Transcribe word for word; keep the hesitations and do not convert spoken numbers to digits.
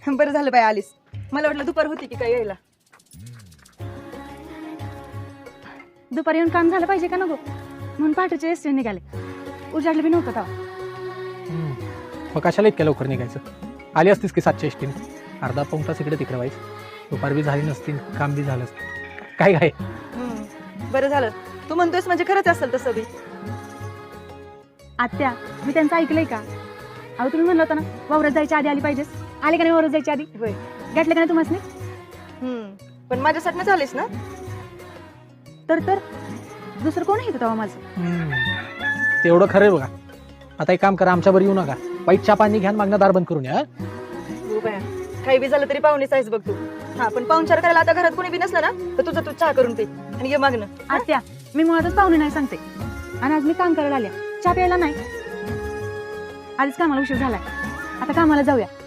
बरं झालं बाई आलीस. मला वाटलं दुपार होती की काय यायला. दुपारी येऊन काम झालं पाहिजे का नको म्हणून पहाटेचे एस टी निघाले. उजाडलं बी नव्हतं तेव्हा. मग कशाला इतक्या लवकर निघायचं? आली असतीस की सातशे एसटीने, अर्धा पाऊण तास इकडे तिकडे व्हायचं. दुपार बी झाली नसती, काम बी झालं असतं. काय काय हम्म, बरं झालं तू म्हणतोयस म्हणजे खरंच असेल तसं बी. आत्या मी त्यांचं ऐकलंय का? अहो तुम्ही म्हणलं होतं ना वावरात जायच्या आधी आली पाहिजेस. आले का नाही वावरात जायच्या आधी? होय. घेतलं का नाही तुम्हाला? हम्म पण माझ्यासाठी झालीस ना. तर तर दुसरं कोण येतं तेव्हा माझं? तेवढं खरं आहे बघा. आता एक काम करा, आमच्यावर येऊ नका. वाईट चहा पाणी घ्या, मागणं दार बंद करून या. हो बाया, काही बी झालं तरी पाहुणेच आहेस बघ तू. हा पण पाहुणचार करायला आता घरात कोणी बी नसलं ना तर तुझं तू चहा करून पे आणि ये मागणं. आत्या मी मुळातच पाहुणे नाही सांगते. आणि आज मी काम करायला आल्या, चहा प्यायला नाही. आधीच कामाला उशीर झालाय. आता कामाला जाऊया.